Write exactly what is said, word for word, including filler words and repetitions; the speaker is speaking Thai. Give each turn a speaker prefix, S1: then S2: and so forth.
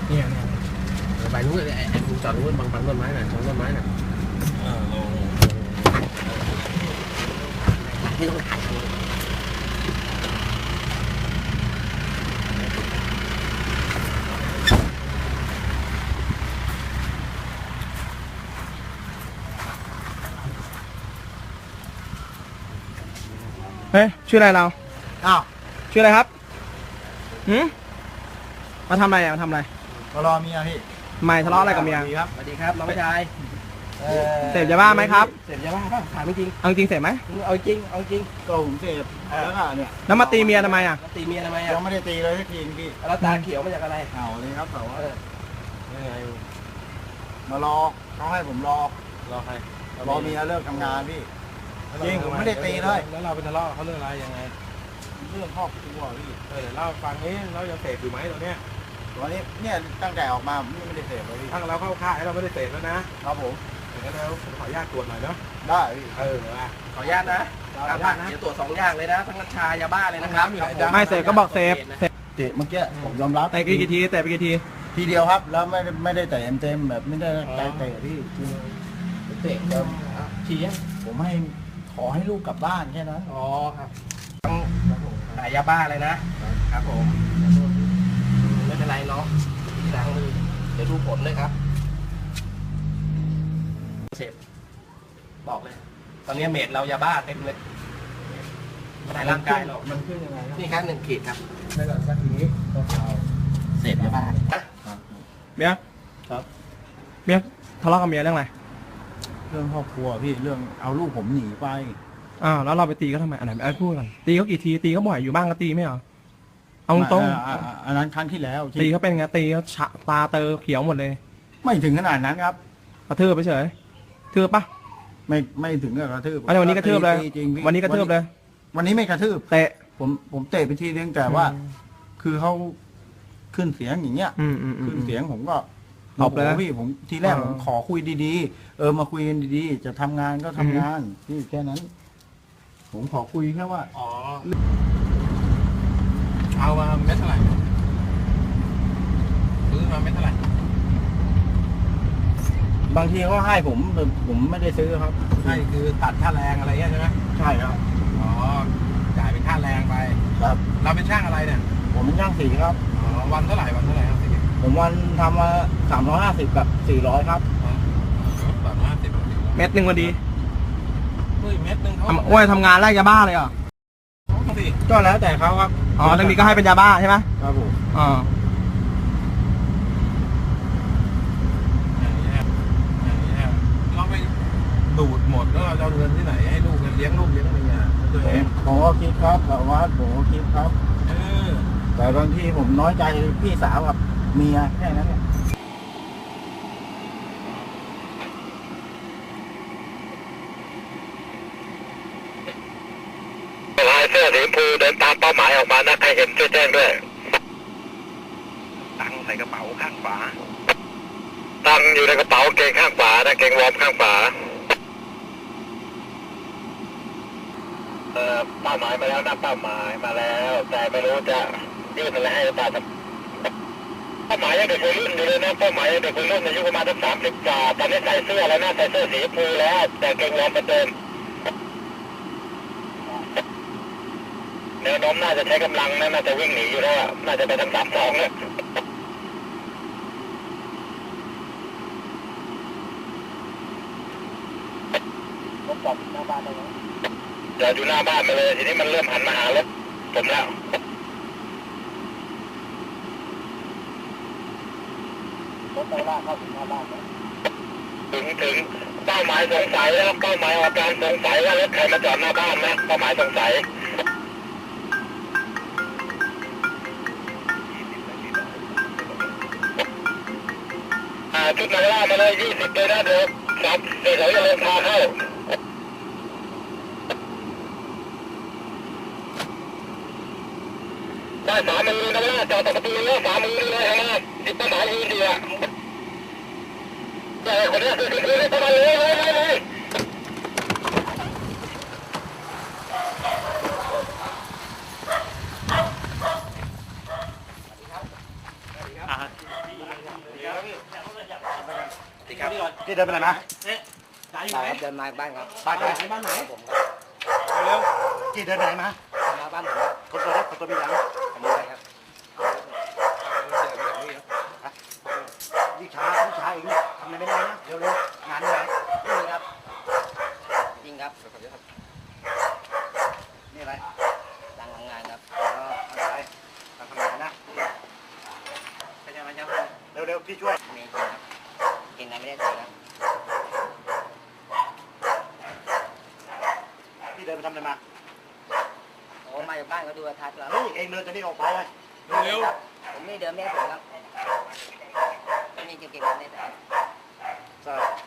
S1: เนี่ยเนี่ยไปนู้นไอ้ไอ้มุมจอดนู้นบางบางต้นไม้น่ะชนต้นไม้น่ะเออลงที่ต้องถ่าย
S2: เฮ้ยชื่ออะไรเรา
S3: อ้าว
S2: ชื่ออะไรครับหืมมาทำอะไรอ่ะมาทำอะไร
S3: มารอเมียพี่
S2: ไม่ทะเลาะอะไรกับเมีย
S3: สวัสดีครับ
S1: สวัสดีครับน้องชาย
S2: เสพยาบ้าไหมครับ
S1: เสพยาบ้าป่ะถามจริง
S2: เอาจริงเสพไหม
S1: เอาจริงเอาจริง
S3: ก็ผมเสพแล้วก็เนี่ย
S2: แล้วมาตีเมียทำไมอ่ะ
S1: แล้วตีเมียทำไม
S3: ยั
S1: อ่ะ
S3: งไม่ได้ตีเลยสักทีพี่
S1: แล้วตาเขียวมาจากอะไร
S3: เอาเลยครับแต่ว่า
S1: เออยังไง
S3: มารอเขาให้ผมรอ
S1: รอใคร
S3: รอเมียเลิกทำงานพี่ จริงผมไม่ได้ตีเลย
S1: แล้วเราเป็นทะเลาะเขาเรื่องอะไรยังไง
S3: เรื่องครอบครัวพี่
S1: เออเดี๋ยวเล่าฟังนี้เรายังเสพอยู่ไหมตอนเนี้ย
S3: ตอนนี้เนี่ยตั้งแต่ออกมาผมยังไม่ได้เสพเลยพี่
S1: ถ้าเราเข้าค่ายเราไม่ได้เสพแล้วนะครับ
S3: ผม
S1: อย่างนั้นแล้วผมขออนุญาตตรวจหน่อยเนาะ
S3: ได้พี่
S1: เออขออนุญาตนะขออนุญาตนะเดี๋ยวตรวจสองอย่างเลยนะทั้งกัญชายาบ้าเลยนะครับ
S2: ไม่เสพก็บอกเสพเสพ
S3: เตะเมื่อกี้ผมยอมรับ
S2: เตะกี่ทีเตะไปกี่ที
S3: ทีเดียวครับ แล้วไม่ได้ไม่ได้เตะเต็มๆแบบไม่ได้ใจเตะพี่
S1: เตะชี้ยัง
S3: ผมให้ขอให้ลูกกลับบ้านแค่นั้น
S1: อ๋อครับต้องขายยาบ้าเลยนะครับผมไม่เป็นไรเนาะที่ล้างมือเดี๋ยวดูผลเลยครับเสพบอกเลย ตอนนี้เมดเรายาบ้าเต็มเลยไม่ได้ร่างกายเรา
S3: มันขึ้นยังไงครับ
S1: นี่ครับหนึ่งขีดครับ
S3: ไม่ก่อนสักทีนี้ก็เอา
S1: เสพยาบ้า
S2: เมีย
S3: ครับ
S2: เมียทะเลาะกับเมียเรื่องอะไร
S3: เรื่องครอบครัวพี่เรื่องเอาลูกผมหนีไป
S2: อ้าวแล้วเราไปตีเขาทำไมอันไหนไอ้พูดก่อนตีเขากี่ทีตีเขาบ่อยอยู่บ้างก็ตีไม่เหรอเอาตรง
S3: อ่าอ่าอันนั้นครั้งที่แล้ว
S2: ๆตีเขาเป็นไงตีเขาฉะตาเตอเขียวหมดเลย
S3: ไม่ถึงขนาดนั้นครับ
S2: กระทืบไปเฉยทืบปะ
S3: ไม่ไม่ถึงกับกระทืบ
S2: อันนี้วันนี้กระทืบเลย
S3: ตีจริงพี่
S2: วันนี้กระทืบเลย
S3: วันนี้ไม่กระทืบ
S2: เตะ
S3: ผมผมเตะไปทีนึงแต่ว่า คือเขาขึ้นเสียงอย่างเงี้ย
S2: อืมอืมอื
S3: ขึ้น
S2: ม
S3: เสียงผมก็
S2: ตบเลยนะ
S3: โอ้โหพี่ผมทีแรก
S2: อ๋อ
S3: ผมขอคุยดีๆ เออมาคุยกันดีๆ จะทำงานก็ทำงานพี่แค่นั้น ผมขอคุยแค่ว่า
S1: อ๋อเอามาเม็ดเท่าไหร่ซื้อมาเม็ดเท่าไหร่
S3: บางทีเขาให้ผมแต่ผมไม่ได้ซื้อครับ
S1: ใช่คือตัดค่าแรงอะไรเงี้ยใช่ไหม
S3: ใช่ครับ
S1: อ๋อจ่ายเป็นค่าแรงไป
S3: ครับ
S1: เราเป็นช่างอะไรเนี่ย
S3: ผมเป็นช่างสีครับ
S1: อ๋อวันเท่าไหร่วันเท่าไหร่ครับสิ
S3: ผมวันทำมาสามร้อยห้าสิบกับสี่ร้อยครับ
S1: สามห้าสิบ
S2: เม็ดหนึ่งวันดี
S1: เฮ้ยเม็ดหนึ่งเขา
S2: ทำโอ้ยทำงานแรกยาบ้าเลยเหรอ
S1: เขาสิ
S3: ก็แล้วแต่เขาครับ
S2: อ๋อทางนี้ก็ให้เป็นยาบ้าใช่ไหม
S3: ครับผม
S2: อ๋อ
S1: อย่างเงี้ยอย่างเงี้ยเราไปดูดหมดแล้วเราจะเอาเงินที่ไหนให้ลูกเลี้ยงลูกเลี้ยงเมียตัวเอง
S3: ผมก็คิดครับแต่ว่าผมก็คิดครับ
S1: เออ
S3: แต่บางทีผมน้อยใจพี่สาวกับเมียแค่นั้นเนี่ย
S4: ลายเสื้อสีชมพูเดินตามเป้าหมายออกมานะใครเห็นช่วยแจ้งด้วย
S1: ตังใส่กระเป๋าข้างฝา
S4: ตังค์อยู่ในกระเป๋าเกงข้างขวานะเกงวอร์มข้างขวาเอ่อเป้าหมายมาแล้วนะเป้าหมายมาแล้ว แต่ไม่รู้จะยื่นอะไรให้หรือเปล่าเป้าหมายยังเด็กวัยรุ่นอยู่เลยนะเป้าหมายยังเด็กวัยรุ่นอายุประมาณสักสามสิบกว่าตอนนี้ใส่เสื้อแล้วนะใส่เสื้อสีชมพูแล้วแต่เกงวอร์มเหมือนเดิมแนวโน้มน่าจะใช้กำลังนะน่าจะวิ่งหนีอยู่แล้วน่าจะไปทางสามสองเนี่ยจอดอยู่หน้าบ้านมาเลยทีนี้มันเริ่มหันมาหารถผมแล้วรถไปล่าเข้าถึงหน้าบ้านถึงถึงเป้าหมายสงสัยแล้วเป้าหมายออกการสงสัยว่ารถใครมาจอดหน้าบ้านนะเป้าหมายสงสัยชุดนักล่ามาเลยยี่สิบเลยนะเดี๋ยวสามเดี๋ยวเขาจะเริ่มพาเข้าได้สามมือนักล่าจอดตะประตูแล้วสามมือเลยฮะจิตต้นหมายยืนดีอ่ะแต่คนนี้คือคือคือประมาณเลยเลยเลยเลย
S3: พี่เดินไปไหนมา
S1: จ่ายอยู่ไหนเดินมาบ้านครับ
S3: บ้านใคร
S1: บ้านไหนผม
S3: เร็วพี่เดินไปไหนมา
S1: มาบ้านผมครับ
S3: คนตัวเล็กคนตัวมีหลัง
S1: ผมอะไรครับ
S3: ยิ่งช้ายิ่งช้าอีกทำอะไรไม่ได้นะเร็วเร็วงานที่ไหน
S1: นี่ครับจริงครับ
S3: นี่อะไร
S1: ตั้งทำงานครับ
S3: เอออะไรทำทำงานนะ
S1: เป็นยังไงครับ
S3: เร็วเร็วพี่ช่วย
S1: มีจริงครับกินอะไรไม่ได้เลยครับ
S3: พี่เดินไปทำอะไรมา
S1: โอ้มาจากบ้านเขาดูโทรทัศน์แล้ว
S3: เฮ้ยเองเดินจะนี่ออกไปเลย
S1: เร็วผมไม่เดินไม่ได้ผมครับไม่มีจะกินอะไรได้แต่
S3: ใช่